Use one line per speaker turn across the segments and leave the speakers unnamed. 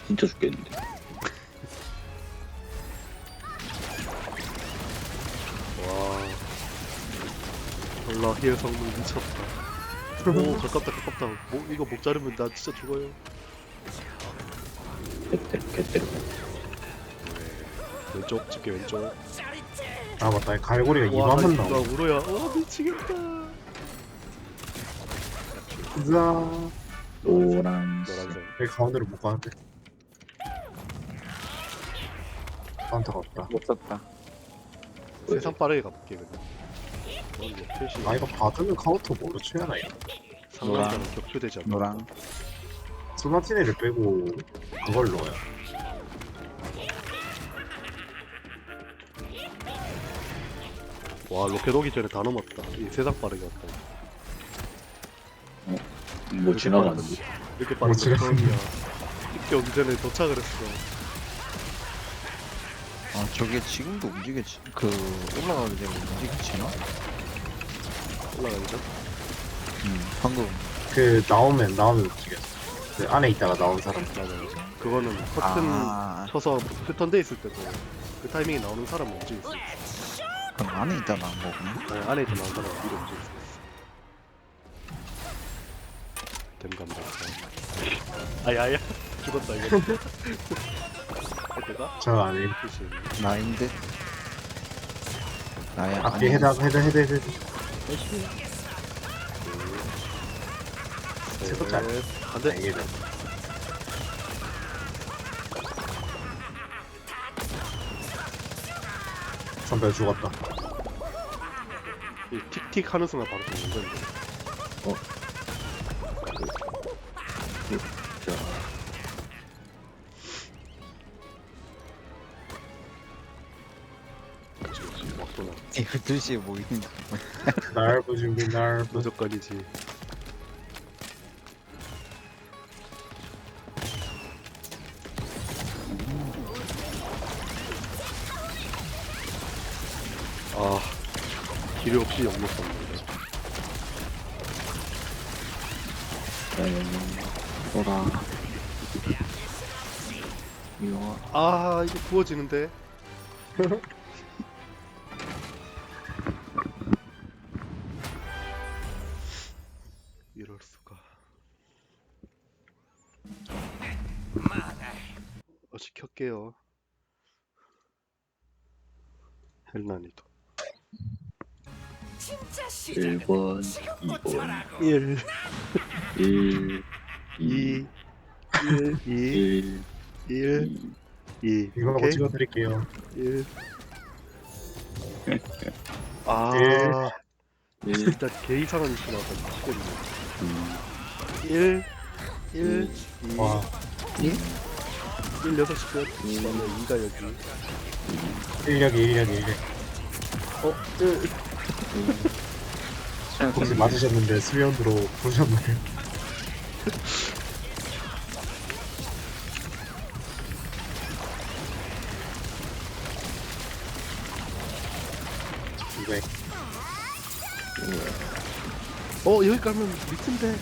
진짜 죽겠는데.
와. 알라히의 성능 미쳤다. 오 가깝다. 이거 목 자르면 나 진짜 죽어요.
개때려.
왼쪽 집게 왼쪽.
아 맞다 갈고리가
와
2만원
나
나와.
울어야. 미치겠다.
으아
노란색.
노란색.
여기 가운데로 못 가는데 카운터가 없다.
못 썼다.
세상 빠르게 가볼게 그냥. 이게 표시.
아 이거 받으면 카운터 뭐로 취하나 이거.
상관자는 격추되지 않는다.
노랑.
소나티네를 빼고 그걸 넣어요.
와 로켓 오기 전에 다 넘었다. 이 세상 빠르게 왔다.
뭐 지나가는데.
이렇게 빠른 거
지나가는데.
처음이야. 이렇게 오기 전에 도착을 했어.
아 저게 지금도 움직이지 그 올라가게 되면 움직이지나?
올라가죠.
방금
그 나오면 움직였어. 그 안에 있다가 나온 사람.
맞아. 그거는 커튼
아
쳐서 패턴돼 있을 때도 그 타이밍에 나오는 사람 움직일 수 있어.
그럼 안에 있다 나온 거구나.
안에 있던 나온 사람 위로 움직일 수 있어. 댐 간다. 아야야 죽었다 이거. 헤드가
저 안에
표시.
나인데 나야
앞에 헤드. 세도 짤.
안돼.
이게 선배 죽었다.
이 틱틱 하는 순간 바로 죽는 건데.
자,
그렇지 막 쏘나.
이거 2시에 뭐 있는
날부 준비 날부.
무조건이지. 아 기류 없이 역력했는데.
노랑. 이거
아 이거 부어지는데. 이럴 수가. 켤게요. 헬난이도.
1번, 2번,
1,
1,
2, 1, 2,
1,
1, 2.
이거
오케이.
찍어드릴게요.
1. 아,
1,
진짜 개 이상한 위치 나왔다. 미치겠네. 1, 2,
와
1, 6시 끝. 그다음에 2가 여기.
인력이. 혹시 맞으셨는데 수면으로 보셨나요? 이거
여기 깔면 밑인데.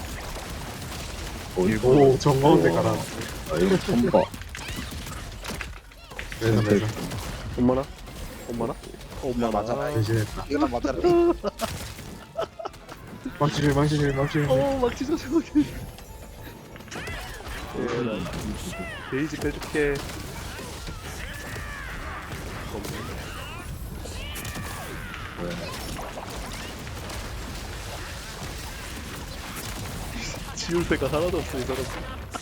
오 정가운데 가라.
아, 이거 처음 봐.
그래서
엄마나? 엄마나?
맞아라.
변신했다.
이거 맞아라.
망치질.
막 찢어 저기. 베이지 빼줄게. 지울 새가 하나도 없어 이 사람.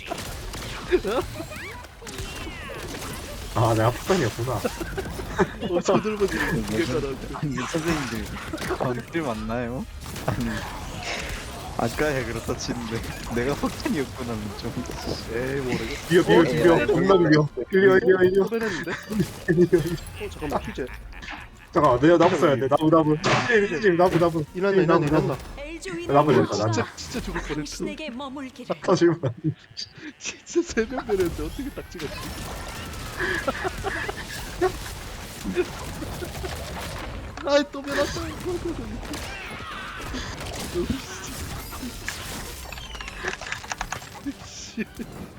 아 내가 폭탄이었구나.
저들만 지금 두개가라.
아니 선생님들 건들 맞나요? 아니 아까야 그렇다 치는데 내가 폭탄이었구나는 좀
에이 모르겠.
비벼. 겁나 비벼. 일려.
소변했는데? 잠깐만 퀴즈.
잠깐만 내가 나부 써야 돼. 나부. 지금 나부.
일어나.
나부 됐다.
진짜 죽을 뻔했어.
당신에게 머물기를.
터지면
진짜 세명 되는데 어떻게 딱 찍었지? 아이 또 변했어. 씨.